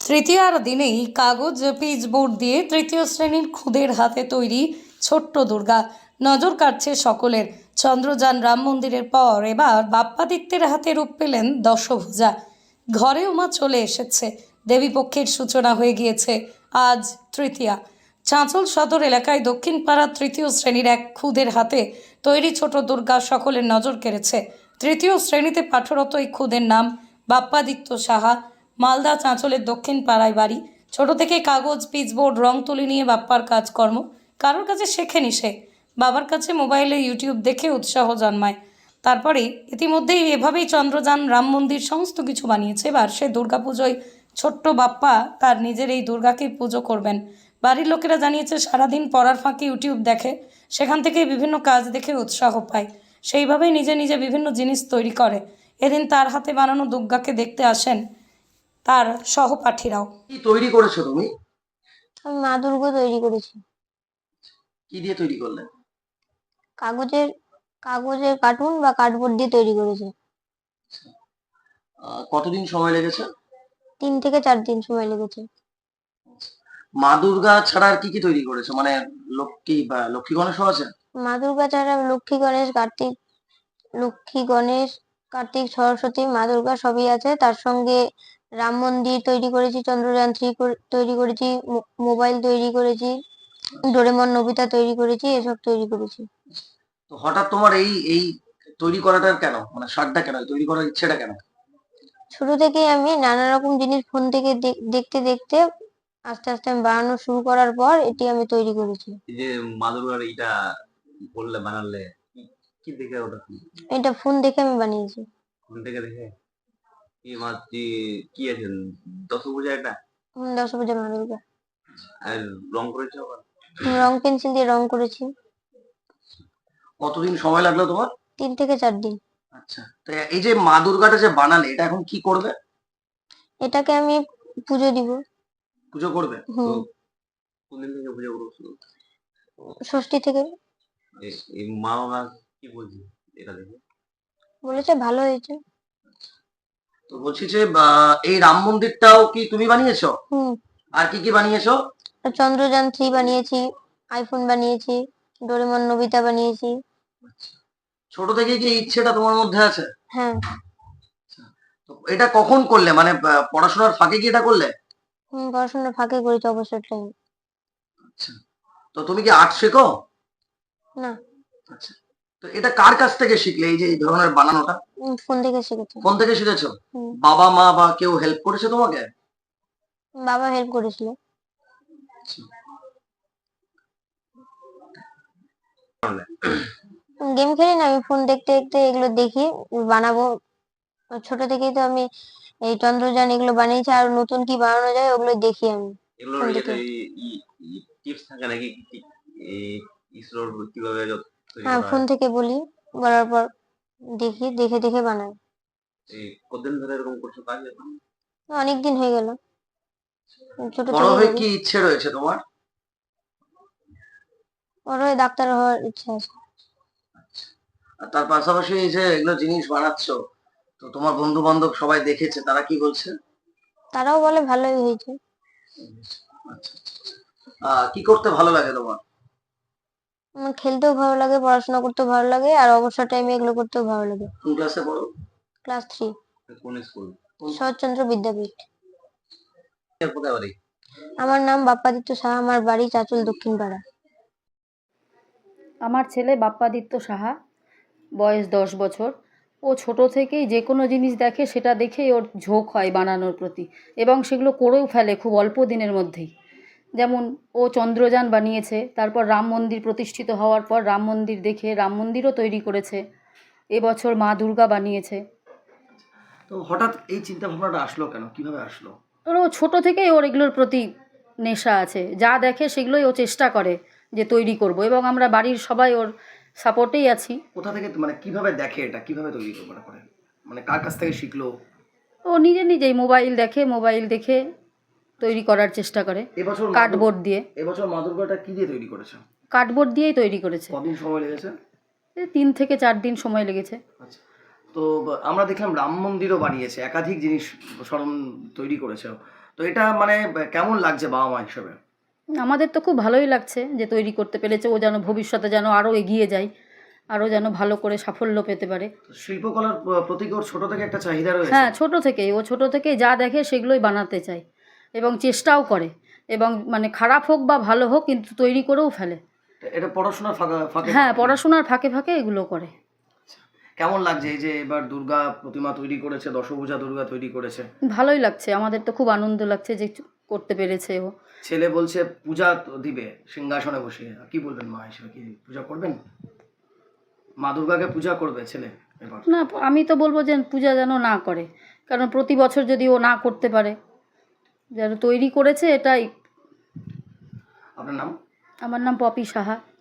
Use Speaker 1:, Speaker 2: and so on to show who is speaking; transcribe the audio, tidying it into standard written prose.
Speaker 1: তৃতীয়ার দিনেই কাগজ পিচবোর্ড দিয়ে তৃতীয় শ্রেণীর খুদের হাতে তৈরি ছোট্ট দুর্গা নজর কাটছে সকলের। চন্দ্রযান রাম মন্দিরের পর এবার বাপ্পাদিত্যের হাতে রূপ পেলেন দশভুজা। ঘরেও মা চলে এসেছে। দেবীপক্ষের সূচনা হয়ে গিয়েছে আজ তৃতীয়া। চাঁচল সদর এলাকায় দক্ষিণ পাড়ার তৃতীয় শ্রেণীর এক খুদের হাতে তৈরি ছোট দুর্গা সকলের নজর কেড়েছে। তৃতীয় শ্রেণীতে পাঠরত এই খুদের নাম বাপ্পাদিত্য সাহা। মালদা চাঁচলের দক্ষিণ পাড়ায় বাড়ি। ছোট থেকে কাগজ পিচবোর্ড রং তুলি নিয়ে বাপ্পার কাজকর্ম। কারোর কাছে শেখেনি সে, বাবার কাছে মোবাইলে ইউটিউব দেখে উৎসাহ জন্মায়। তারপরে ইতিমধ্যেই এভাবেই চন্দ্রযান রাম মন্দির সমস্ত কিছু বানিয়েছে। এবার সে দুর্গাপুজোয় ছোট্ট বাপ্পা তার নিজের এই দুর্গাকে পুজো করবেন। বাড়ির লোকেরা জানিয়েছে সারাদিন পড়ার ফাঁকে ইউটিউব দেখে, সেখান থেকে বিভিন্ন কাজ দেখে উৎসাহ পায়। সেইভাবেই নিজে নিজে বিভিন্ন জিনিস তৈরি করে। এদিন তার হাতে বানানো দুর্গাকে দেখতে আসেন তার সহপাঠীরাও।
Speaker 2: কি তৈরি করেছো তুমি?
Speaker 3: আমি মা দুর্গা তৈরি করেছি।
Speaker 2: কি দিয়ে তৈরি করলে?
Speaker 3: কাগজের কাগজের কার্টুন বা কার্ডবোর্ড দিয়ে তৈরি করেছি।
Speaker 2: কতদিন সময় লেগেছে?
Speaker 3: 3 থেকে 4 দিন সময় লেগেছে।
Speaker 2: মা দুর্গা ছাড়া আর কি কি তৈরি করেছো? মানে লক্ষ্মী বা লক্ষ্মী গণেশও আছে?
Speaker 3: মা দুর্গা ছাড়া লক্ষ্মী গণেশ কার্তিক সরস্বতী মা দুর্গা সবই আছে। তার সঙ্গে রাম মন্দির তৈরি করেছি, চন্দ্রযান 3 তৈরি করেছি, মোবাইল তৈরি করেছি, ডোরেমন নোবিতা তৈরি করেছি, এসব তৈরি করেছি।
Speaker 2: তো হঠাৎ তোমার এই এই তৈরি করাটা কেন, মানে শখটা কেন, তৈরি করার ইচ্ছেটা কেন?
Speaker 3: ছোট থেকেই আমি নানা রকম জিনিস ফোন থেকে দেখতে দেখতে আস্তে আস্তে আমি বানানো শুরু করার পর এটি আমি তৈরি করেছি।
Speaker 4: এই যে মা দুর্গার এইটা বললে বানালে কি দেখে ওটা
Speaker 3: এটা ফোন দেখে আমি বানিয়েছি।
Speaker 4: ফোন থেকে দেখে কি মাছ কি আছে দশভুজা এটা
Speaker 3: 10 বছর মা দুর্গা।
Speaker 4: আর রং করেছে আবার
Speaker 3: রং পেন্সিল দিয়ে রং করেছি।
Speaker 2: কতদিন সময় লাগলো তোমার?
Speaker 3: 3 থেকে 4 দিন।
Speaker 2: আচ্ছা, তো এই যে মা দুর্গাটা যে বানালে, এটা এখন কি করবে?
Speaker 3: এটাকে আমি পুজো দিব।
Speaker 2: পুজো করবে?
Speaker 3: হুম,
Speaker 4: কোনদিন থেকে পুজো করবো শুরু?
Speaker 3: ষষ্ঠী থেকে।
Speaker 4: এই মা বাবা কি বলছি এটা দেখে?
Speaker 3: বলেছে ভালো হয়েছে।
Speaker 2: তো বলছি যে এই রাম মন্দিরটাও কি তুমি বানিয়েছো?
Speaker 3: হুম,
Speaker 2: আর কি কি বানিয়েছো?
Speaker 3: আর চন্দ্রযান 3 বানিয়েছি, আইফোন বানিয়েছি, ডোরেমন নোবিতা বানিয়েছি।
Speaker 2: ছোট থেকে কি এই ইচ্ছেটা তোমার মধ্যে আছে?
Speaker 3: হ্যাঁ।
Speaker 2: তো এটা কখন করলে, মানে পড়াশোনার ফাঁকে কি এটা করলে?
Speaker 3: পড়াশোনার ফাঁকে করেছি অবসর টাইম।
Speaker 2: আচ্ছা, তো তুমি কি আর্ট শেখো?
Speaker 3: না,
Speaker 2: আচ্ছা, তো এটা কার কাছ থেকে শিখলে, এই যে এই ধরনের বানানোটা?
Speaker 3: ফোন থেকে শিখেছি।
Speaker 2: কোন থেকে শিখেছো?
Speaker 3: হুম,
Speaker 2: বাবা মা বা কেউ হেল্প করেছে তোমাকে?
Speaker 3: বাবা হেল্প করেছিল। গেম খেলি না, আমি ফোন দেখতে দেখতে এগুলো দেখি, বানাবো। ছোট থেকেই তো আমি এই চন্দ্রযান এগুলো বানিয়েছি, আর নতুন কি বানানো যায় ওগুলো দেখি আমি
Speaker 4: এগুলোর
Speaker 3: ফোন
Speaker 4: ইয়েতে
Speaker 3: থেকে।
Speaker 4: টিপস থাকে নাকি এই ইসরোর কিভাবে তৈরি
Speaker 3: হ্যাঁ,
Speaker 4: করা
Speaker 3: ফোন
Speaker 4: হয়?
Speaker 3: থেকে বলি, বলার পর দেখি, দেখে দেখে বানাই।
Speaker 4: এই কতদিন ধরে এরকম করছো কাজ এখন?
Speaker 3: অনেকদিন হয়ে গেল, ছোট
Speaker 2: বড়
Speaker 3: থেকেই
Speaker 2: হয়ে
Speaker 3: করি।
Speaker 2: কি ইচ্ছে রয়েছে তোমার?
Speaker 3: বড় হয়ে ডাক্তার হওয়ার ইচ্ছা আছে।
Speaker 2: আর তার পাশাপাশি এই যে এগুলো জিনিস বানাচ্ছো, তো তোমার বন্ধু বান্ধব সবাই দেখেছে, তারা কি বলছে?
Speaker 3: তারাও বলে ভালোই হয়েছে।
Speaker 2: আচ্ছা আচ্ছা আচ্ছা। কি করতে ভালো লাগে তোমার?
Speaker 3: আমার খেলতেও ভালো লাগে, পড়াশোনা করতেও ভালো লাগে, আর অবসর টাইমে এগুলো করতেও ভালো লাগে।
Speaker 2: কোন ক্লাসে পড়ো?
Speaker 3: ক্লাস 3,
Speaker 4: কোন স্কুল?
Speaker 3: শরৎচন্দ্র বিদ্যাপীঠ।
Speaker 4: কোথায় বাড়ি?
Speaker 3: আমার নাম বাপ্পাদিত্য সাহা, আমার বাড়ি চাঁচল দক্ষিণ পাড়া।
Speaker 5: আমার ছেলে বাপ্পাদিত্য সাহা, বয়স 10 বছর। ও ছোট থেকেই যে কোনো জিনিস দেখে সেটা দেখেই ওর ঝোঁক হয় বানানোর প্রতি, এবং সেগুলো করেও ফেলে খুব অল্প দিনের মধ্যেই। যেমন ও চন্দ্রযান বানিয়েছে, তারপর রাম মন্দির প্রতিষ্ঠিত হওয়ার পর রাম মন্দির দেখে রাম মন্দিরও তৈরি করেছে। এবছর মা দুর্গা বানিয়েছে।
Speaker 2: তো হঠাৎ এই চিন্তা ভাবনাটা আসলো কেন, কিভাবে আসলো?
Speaker 5: ও ছোট থেকেই ওর এগুলোর প্রতি নেশা আছে, যা দেখে সেগুলোই ও চেষ্টা করে যে তৈরি করব, এবং আমরা বাড়ির সবাই ওর সাপোর্টেই আছি।
Speaker 2: কোথা থেকে, মানে কিভাবে দেখে, এটা কিভাবে তৈরি করে, মানে কার কাছ থেকে শিখলো?
Speaker 5: ও নিজেই মোবাইল দেখে তৈরি করার চেষ্টা করে।
Speaker 2: এবছর
Speaker 5: কার্ডবোর্ড দিয়ে।
Speaker 2: এবছর মা দুর্গাটা কি দিয়ে তৈরি করেছে?
Speaker 5: কার্ডবোর্ড দিয়েই তৈরি করেছে।
Speaker 2: কদিন সময় লেগেছে?
Speaker 5: 3 থেকে 4 দিন সময় লেগেছে।
Speaker 2: আচ্ছা, তো আমরা দেখলাম রাম মন্দিরও বানিয়েছে, একাধিক জিনিস স্মরণ তৈরি করেছে। তো এটা মানে কেমন লাগছে বাবা মা হিসেবে?
Speaker 5: আমাদের তো খুব ভালোই লাগছে যে তৈরি করতে পেরেছে, ও যেন ভবিষ্যতে যেন আরও এগিয়ে যায়, আরও যেন ভালো করে সাফল্য পেতে পারে।
Speaker 2: তো শিল্পকলার প্রতি ওর ছোট থেকে একটা চাহিদা রয়েছে।
Speaker 5: হ্যাঁ, ছোট থেকেই যা দেখে সেগুলোই বানাতে চায় এবং চেষ্টাও করে, এবং মানে খারাপ হোক বা ভালো হোক কিন্তু তৈরি করেও ফেলে।
Speaker 2: তো এটা পড়াশোনার ফাঁকে
Speaker 5: হ্যাঁ, পড়াশোনার ফাঁকে ফাঁকে এগুলো করে।
Speaker 2: কেমন লাগছে এই যে এবার দুর্গা প্রতিমা তৈরি করেছে, দশভুজা দুর্গা তৈরি করেছে?
Speaker 5: ভালোই লাগছে, আমাদের তো খুব আনন্দ লাগছে যে করতে পেরেছে ও।
Speaker 2: ছেলে বলছে পূজা দিবে সিংহাসনে বসে, কি বলবেন মা হিসেবে, কি পূজা করবেন? মা দুর্গাকে পূজা করবে ছেলে এবার?
Speaker 5: না, আমি তো বলবো যে পূজা যেন না করে, কারণ প্রতি বছর যদি ও না করতে পারে, যেন তৈরি করেছে এটাই।
Speaker 2: আপনার নাম?
Speaker 5: আমার নাম পপি সাহা।